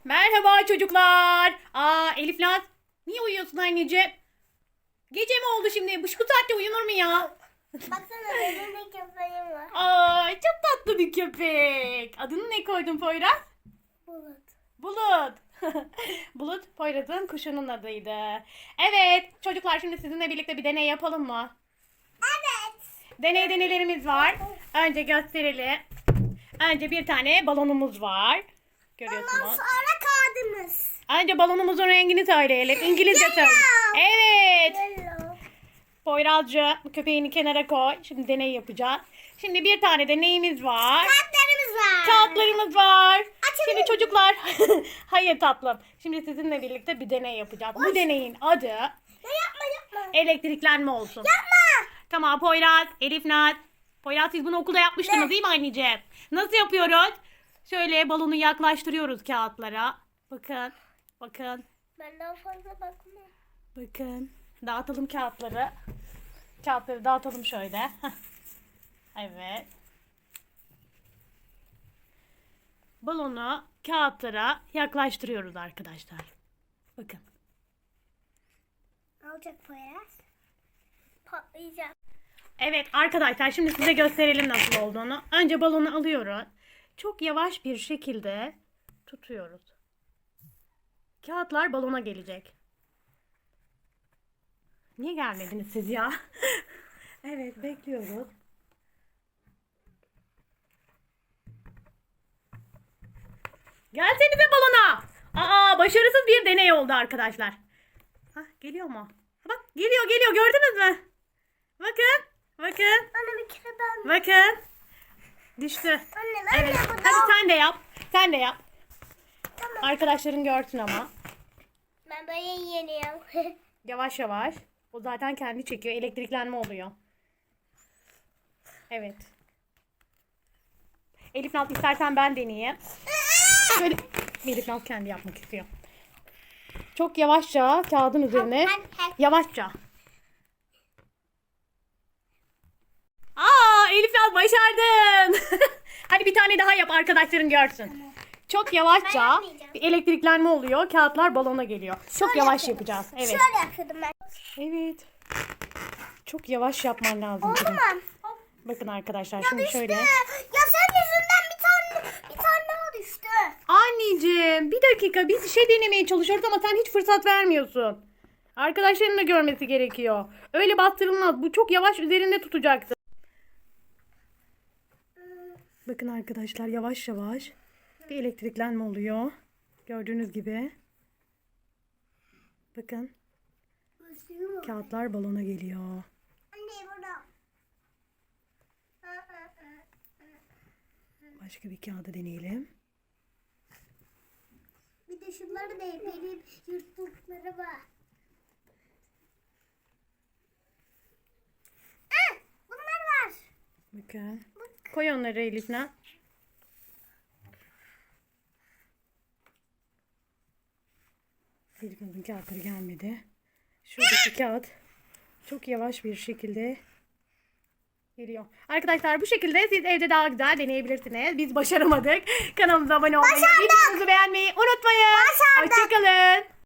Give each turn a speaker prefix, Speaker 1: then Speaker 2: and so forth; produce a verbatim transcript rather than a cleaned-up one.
Speaker 1: Merhaba çocuklar. Aa Elif Naz, niye uyuyorsun anneciğim? Gece mi oldu şimdi? Bu saatte uyunur mu ya?
Speaker 2: Baksana benim de köpeğim var.
Speaker 1: Ay çok tatlı bir köpek. Adını ne koydun Poyraz?
Speaker 2: Bulut.
Speaker 1: Bulut. Bulut Poyraz'ın kuşunun adıydı. Evet çocuklar, şimdi sizinle birlikte bir deney yapalım mı?
Speaker 2: Evet.
Speaker 1: Deney deneylerimiz var. Önce gösterelim. Önce bir tane balonumuz var.
Speaker 2: Ondan
Speaker 1: Görüyorsunuz.
Speaker 2: sonra kağıdımız.
Speaker 1: Önce balonumuzun rengini söyleyelim. İngilizce söyle. Evet.
Speaker 2: Yellow.
Speaker 1: Poyrazcığım, köpeğini kenara koy. Şimdi deney yapacağız. Şimdi bir tane de neyimiz var?
Speaker 2: Kağıtlarımız var.
Speaker 1: Kağıtlarımız var.
Speaker 2: Açalım.
Speaker 1: Şimdi çocuklar. Hayır tatlım. Şimdi sizinle birlikte bir deney yapacağız. Bu deneyin adı
Speaker 2: Ya yapma yapma.
Speaker 1: elektriklenme olsun.
Speaker 2: Yapma.
Speaker 1: Tamam Poyraz, Elif Naz. Poyraz, siz bunu okulda yapmıştınız
Speaker 2: Ne?
Speaker 1: değil mi anneciğim? Nasıl yapıyoruz? Şöyle balonu yaklaştırıyoruz kağıtlara. Bakın. Bakın.
Speaker 2: Ben daha fazla bakma.
Speaker 1: Bakın. Dağıtalım kağıtları. Kağıtları dağıtalım şöyle. Heh. Evet. Balonu kağıtlara yaklaştırıyoruz arkadaşlar. Bakın.
Speaker 2: Alacak Poyraz. Patlayacak.
Speaker 1: Evet arkadaşlar, şimdi size gösterelim nasıl olduğunu. Önce balonu alıyoruz. Çok yavaş bir şekilde tutuyoruz. Kağıtlar balona gelecek. Niye gelmediniz siz ya? Evet, bekliyoruz. Gelsenize balona. Aa, başarısız bir deney oldu arkadaşlar. Hah, geliyor mu? Bak, geliyor geliyor, gördünüz mü? Bakın. Bakın.
Speaker 2: Anne bir kere ben.
Speaker 1: Bakın. Düştü.
Speaker 2: Anne ben
Speaker 1: Evet.
Speaker 2: de bu
Speaker 1: Hadi sen de yap. Sen de yap.
Speaker 2: Tamam.
Speaker 1: Arkadaşların görsün ama.
Speaker 2: Ben böyle yeniyorum.
Speaker 1: Yavaş yavaş. O zaten kendi çekiyor. Elektriklenme oluyor. Evet. Elif Naz, istersen ben deneyeyim. Şöyle. Elif Naz kendi yapmak istiyor. Çok yavaşça kağıdın üzerine. Yavaşça. Aa, Elif Naz başardın. Hadi bir tane daha yap, arkadaşların görsün. Çok
Speaker 2: Ben
Speaker 1: yavaşça
Speaker 2: yapmayacağım.
Speaker 1: bir elektriklenme oluyor. Kağıtlar balona geliyor. Çok
Speaker 2: Şöyle
Speaker 1: yavaş
Speaker 2: yapıyorum.
Speaker 1: yapacağız. Evet.
Speaker 2: Şöyle yapıyordum ben.
Speaker 1: Evet. Çok yavaş yapman lazım.
Speaker 2: Oldu
Speaker 1: kızım.
Speaker 2: mu?
Speaker 1: Bakın arkadaşlar,
Speaker 2: Ya
Speaker 1: şimdi
Speaker 2: düştü.
Speaker 1: şöyle.
Speaker 2: Ya sen yüzünden bir tane bir tane daha düştü.
Speaker 1: Anneciğim bir dakika, biz bir şey denemeye çalışıyoruz ama sen hiç fırsat vermiyorsun. Arkadaşların da görmesi gerekiyor. Öyle bastırılmaz. Bu çok yavaş, üzerinde tutacaksın. Bakın arkadaşlar, yavaş yavaş bir elektriklenme oluyor. Gördüğünüz gibi. Bakın, kağıtlar balona geliyor.
Speaker 2: Anne burada.
Speaker 1: Başka bir kağıdı deneyelim.
Speaker 2: Bir de şunları da benim yırttıkları var. Ah, bunlar var.
Speaker 1: Bakın. Koy onları Elif'le. Elif'in kağıtları gelmedi. Şuradaki kağıt çok yavaş bir şekilde geliyor. Arkadaşlar, bu şekilde siz evde daha güzel deneyebilirsiniz. Biz başaramadık. Kanalımıza abone olmayı, videomuzu beğenmeyi unutmayın.
Speaker 2: Başardık.
Speaker 1: Hoşçakalın.